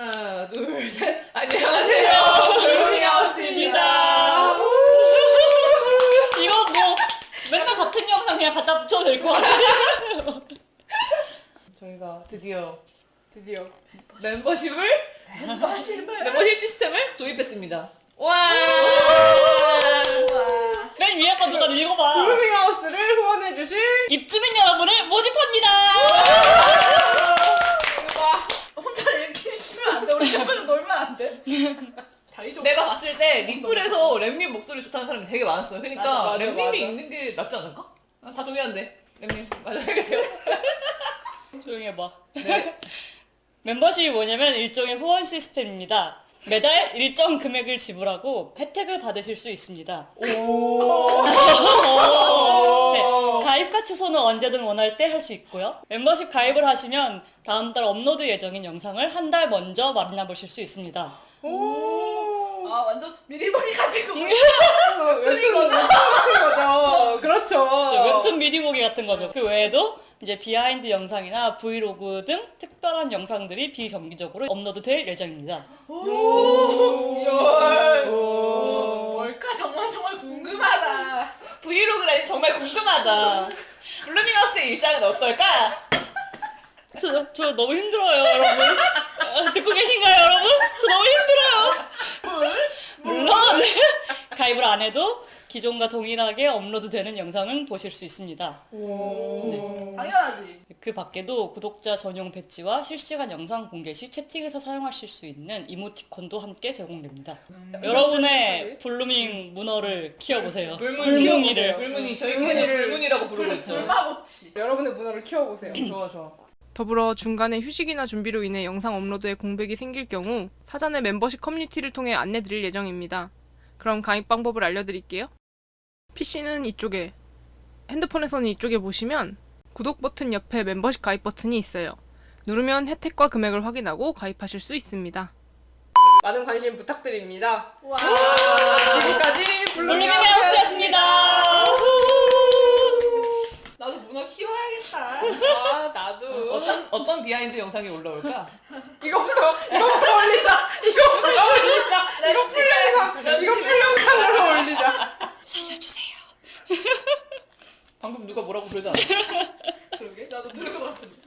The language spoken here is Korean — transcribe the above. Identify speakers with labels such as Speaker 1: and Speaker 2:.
Speaker 1: 하나, 둘, 셋. 안녕하세요. 블루밍하우스입니다.
Speaker 2: 이거 뭐 맨날 같은 영상 그냥 갖다 붙여도 될 것 같아요.
Speaker 1: 저희가 드디어 멤버십 시스템을 도입했습니다. 와!
Speaker 2: 맨 위에 거 누가 읽어봐.
Speaker 3: 블루밍하우스를 후원해주실
Speaker 2: 입주민 여러분을 모집합니다.
Speaker 3: 혼자 읽기 싫으면 안 돼. 우리 좀 놀면 안 돼.
Speaker 1: 내가 봤을 때 리플에서 램님 목소리 좋다는 사람이 되게 많았어요. 그러니까
Speaker 3: 맞아,
Speaker 1: 램님이
Speaker 3: 맞아.
Speaker 1: 읽는 게 낫지 않을까? 다 동의한대. 램님 맞아 알겠어요.
Speaker 2: 조용히 해봐.
Speaker 1: 네.
Speaker 2: 멤버십이 뭐냐면 일종의 후원 시스템입니다. 매달 일정 금액을 지불하고 혜택을 받으실 수 있습니다. 네, 가입과 취소는 언제든 원할 때 할 수 있고요. 멤버십 가입을 하시면 다음 달 업로드 예정인 영상을 한 달 먼저 만나보실 수 있습니다.
Speaker 3: 아 완전 미리 보기 같은 거. 웹툰 같은 거죠. 그렇죠.
Speaker 2: 웹툰 미리 보기 같은 거죠. 그 외에도 이제 비하인드 영상이나 브이로그 등 특별한 영상들이 비정기적으로 업로드될 예정입니다.
Speaker 3: 뭘까 정말 궁금하다.
Speaker 1: 브이로그라니 정말 궁금하다. 블루밍하우스의 일상은 어떨까?
Speaker 2: 저 너무 힘들어요, 여러분. 듣고 계신가요, 여러분? 저 너무 힘들어요. 물론 가입을 안 해도 기존과 동일하게 업로드되는 영상은 보실 수 있습니다.
Speaker 3: 당연하지.
Speaker 2: 그 밖에도 구독자 전용 배지와 실시간 영상 공개 시 채팅에서 사용하실 수 있는 이모티콘도 함께 제공됩니다. 여러분의 블루밍 문어를 키워보세요. 불문이를.
Speaker 1: 불문이 저희끼리는 불문이라고 부르고 있죠.
Speaker 3: 불마고치. 여러분의 문화를 키워보세요.
Speaker 1: 좋아.
Speaker 4: 더불어 중간에 휴식이나 준비로 인해 영상 업로드에 공백이 생길 경우 사전에 멤버십 커뮤니티를 통해 안내드릴 예정입니다. 그럼 가입 방법을 알려드릴게요. PC는 이쪽에, 핸드폰에서는 이쪽에 보시면 구독 버튼 옆에 멤버십 가입 버튼이 있어요. 누르면 혜택과 금액을 확인하고 가입하실 수 있습니다.
Speaker 3: 많은 관심 부탁드립니다.
Speaker 1: 와.
Speaker 3: 지금까지
Speaker 2: 블루밍하우스였습니다.
Speaker 3: 나도 문화 키워야겠다. 아 나도.
Speaker 1: 어떤 비하인드 영상이 올라올까?
Speaker 3: 이거부터